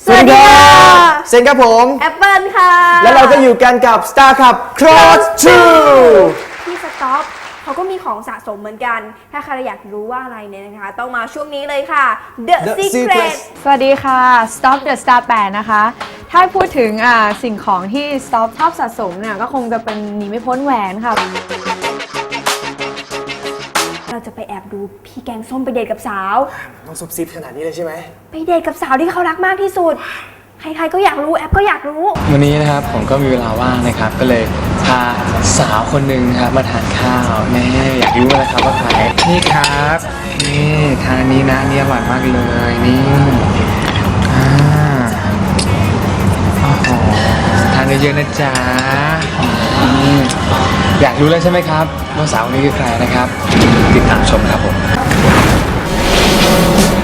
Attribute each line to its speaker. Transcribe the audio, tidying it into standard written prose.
Speaker 1: สวัสดีค่ะเซนครับผม
Speaker 2: แอปเปิลค่ะ
Speaker 1: แล้วเราก็อยู่กันกับ Star Cup Cross 2
Speaker 2: พี่สต็อปเขาก็มีของสะสมเหมือนกันถ้าใครอยากรู้ว่าอะไรเนี่ยนะคะต้องมาช่วงนี้เลยค่ะ The Secret
Speaker 3: สวัสดีค่ะ Stop the Star 8 นะคะ ถ้าพูดถึงสิ่งของที่ Stop ชอบสะสมเนี่ยก็คงจะเป็นหนีไม่พ้นแหวนค่ะ
Speaker 2: เราจะไปแอบดูพี่แกงส้มไปเดทกับสาว
Speaker 1: ต้องซุบซิบขนาดนี้เลยใช่ไหม
Speaker 2: ไปเดทกับสาวที่เขารักมากที่สุดใครๆก็อยากรู้แอปก็อยากรู้
Speaker 4: วันนี้นะครับผมก็มีเวลาว่างนะครับก็เลยพาสาวคนหนึ่งครับมาทานข้าวแม่อยากรู้นะครับว่าใครนี่ครับนี่ทานอันนี้นะนี่อร่อยมากเลยนี่โอ้โหทานเยอะๆนะจ๊ะอยากรู้แล้วใช่ไหมครับว่าสาวคนนี้คือใครนะครับติดตามชมครับผม